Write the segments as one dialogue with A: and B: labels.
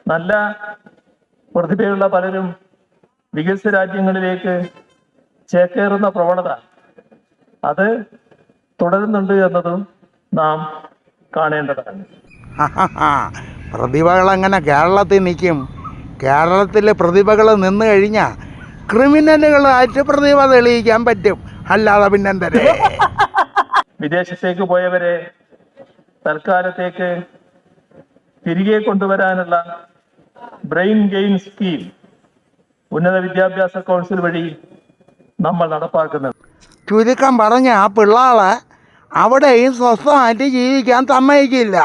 A: നല്ല പ്രതിഭയുള്ള പലരും വികസിത രാജ്യങ്ങളിലേക്ക് ചേക്കേറുന്ന പ്രവണത അത് തുടരുന്നുണ്ട് എന്നതും നാം കാണേണ്ടതാണ്.
B: പ്രതിഭകൾ അങ്ങനെ കേരളത്തിൽ നിൽക്കും. കേരളത്തിലെ പ്രതിഭകൾ നിന്ന് കഴിഞ്ഞാൽ ക്രിമിനലുകളായിട്ട് പ്രതിഭ തെളിയിക്കാൻ പറ്റും. അല്ലാതെ പിന്നെന്തരേ.
A: വിദേശത്തേക്ക് പോയവരെ തൽക്കാലത്തേക്ക് തിരികെ കൊണ്ടുവരാനുള്ള ബ്രെയിൻ ഗെയിൻ സ്കീം ഉന്നത വിദ്യാഭ്യാസ കൗൺസിൽ വഴി നമ്മൾ നടപ്പാക്കുന്നത്.
B: ചുരുക്കം പറഞ്ഞ ആ പിള്ളേളെ അവിടെയും സ്വസ്ഥമായിട്ട് ജീവിക്കാൻ സമ്മതിക്കില്ല.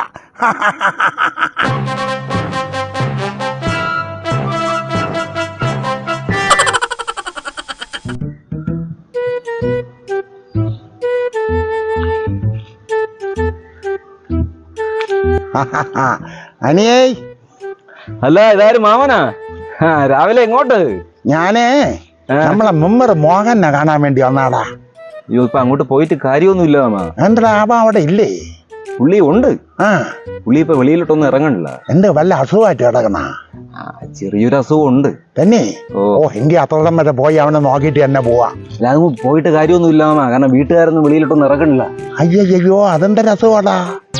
B: അനിയേ.
C: അല്ല, ഇതാരും മാമനാ? രാവിലെ എങ്ങോട്ട്?
B: ഞാനേ നമ്മളെ മെമ്പർ മോഹനെ കാണാൻ വേണ്ടി വന്നാടാ.
C: അയ്യോ, ഇപ്പൊ അങ്ങോട്ട് പോയിട്ട് കാര്യമൊന്നുമില്ല മാമ.
B: എന്താ അവ അവിടെ ഇല്ലേ?
C: പുള്ളി ഉണ്ട്. പുള്ളി ഇപ്പൊ വെളിയിലോട്ടൊന്നും ഇറങ്ങണില്ല.
B: എന്ത് വല്ല അസുഖമായിട്ട് കിടക്കണ?
C: ചെറിയൊരു അസുഖം ഉണ്ട്.
B: തന്നെ? ഓ, എങ്കിൽ അത്തോളം വരെ പോയി അവനെ നോക്കിയിട്ട് തന്നെ പോവാ.
C: അല്ല, അത് പോയിട്ട് കാര്യമൊന്നുമില്ല മാമ. കാരണം വീട്ടുകാരൊന്നും വെളിയിലോട്ടൊന്നും ഇറങ്ങണില്ല.
B: അയ്യോ, അതെന്തൊരു അസുഖമാടാ?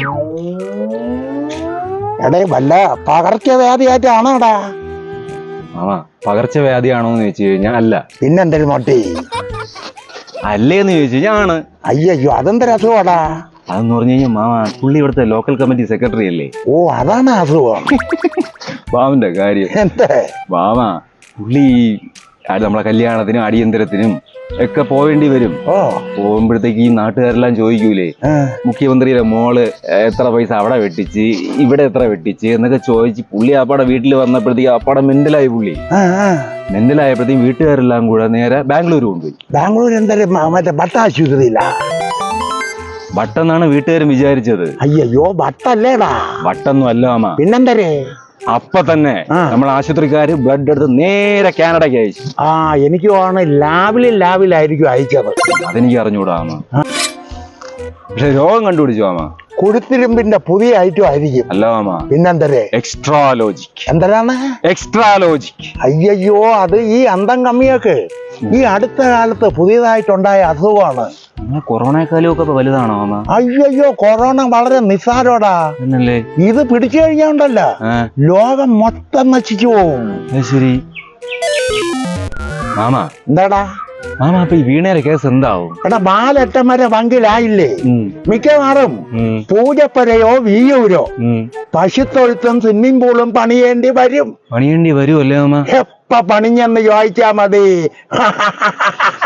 B: എടേ, വല്ല പകർച്ചവ്യാധിയായിട്ടാണോടാ?
C: മാമ, പകർച്ചവ്യാധിയാണോന്ന് ചോദിച്ചു കഴിഞ്ഞാൽ അല്ല.
B: പിന്നെന്തൊരു നോട്ടി?
C: അല്ലേന്ന് ചോദിച്ചു കഴിഞ്ഞാൽ ആണ്.
B: അയ്യോ, അതെന്തൊരു അസുഖമാടാ?
C: അതെന്ന് പറഞ്ഞു കഴിഞ്ഞാൽ മാമ, പുള്ളി ഇവിടുത്തെ ലോക്കൽ കമ്മിറ്റി സെക്രട്ടറി അല്ലേ.
B: ഓ, അതാണ് അസുഖം.
C: മാമന്റെ കാര്യം
B: എന്താ
C: മാമ, പുള്ളി നമ്മളെ കല്യാണത്തിനും അടിയന്തരത്തിനും ഒക്കെ പോവേണ്ടി വരും. പോകുമ്പോഴത്തേക്ക് ഈ നാട്ടുകാരെല്ലാം ചോദിക്കൂലേ, മുഖ്യമന്ത്രിയുടെ മോള് എത്ര പൈസ അവിടെ വെട്ടിച്ച്, ഇവിടെ എത്ര വെട്ടിച്ച് എന്നൊക്കെ ചോദിച്ച് പുള്ളി അപ്പാടെ വീട്ടിൽ വന്നപ്പോഴത്തേക്ക് അപ്പാടെ മെന്റലായി. പുള്ളി മെന്റലായപ്പോഴത്തേക്കും വീട്ടുകാരെല്ലാം കൂടെ നേരെ ബാംഗ്ലൂർ കൊണ്ടുപോയി.
B: ബാംഗ്ലൂർ എന്തായാലും മറ്റേ ഭട്ടാശുപത്രിയില്ല.
C: ഭട്ടെന്നാണ് വീട്ടുകാരും വിചാരിച്ചത്.
B: അയ്യോ, ഭട്ടല്ലേടാ?
C: ഭട്ടൊന്നും അല്ല മാമ.
B: പിന്നെന്തരേ?
C: അപ്പൊ തന്നെ നമ്മൾ ആശുപത്രിക്കാര് ബ്ലഡ് എടുത്ത് നേരെ കാനഡയ്ക്ക് അയച്ചു.
B: എനിക്ക് തോന്നുന്നു ലാബിലായിരിക്കും അയച്ചത്.
C: അതെനിക്ക് അറിഞ്ഞൂടാ മാമ. പക്ഷെ രോഗം കണ്ടുപിടിച്ചു മാമ.
B: കുഴുത്തിരുമ്പിന്റെ പുതിയ ഐറ്റം ആയിരിക്കും.
C: അല്ല മാമ.
B: പിന്നെന്തരേ?
C: എക്സ്ട്രാലോജിക്.
B: എന്തരാണ്
C: എക്സ്ട്രാലോജിക്?
B: അയ്യോ, അത് ഈ അന്തം കമ്മിയൊക്കെ ഈ അടുത്ത കാലത്ത് പുതിയതായിട്ടുണ്ടായ അസുഖമാണ്.
C: കൊറോണക്കാലമൊക്കെ ഇപ്പൊ വലുതാണോ മാമ?
B: അയ്യോ, കൊറോണ വളരെ നിസ്സാരോടാ. ഇത് പിടിച്ചു കഴിഞ്ഞാണ്ടല്ല ലോകം മൊത്തം നശിച്ചു പോവും.
C: ശരി മാമ.
B: എന്താടാ
C: മാമ, അപ്പൊ ഈ വീണേരെ കേസ് എന്താവും?
B: എടാ, ബാലറ്റം വരെ പങ്കിലായില്ലേ? മിക്കവാറും പൂജപ്പരയോ വീയൂരോ പശുത്തൊഴുത്തും സ്വിമ്മിംഗ് പൂളും പണിയേണ്ടി വരും.
C: പണിയേണ്ടി വരുമല്ലേ മാമ?
B: എപ്പ പണിഞ്ഞെന്ന് ചോദിച്ചാ മതി.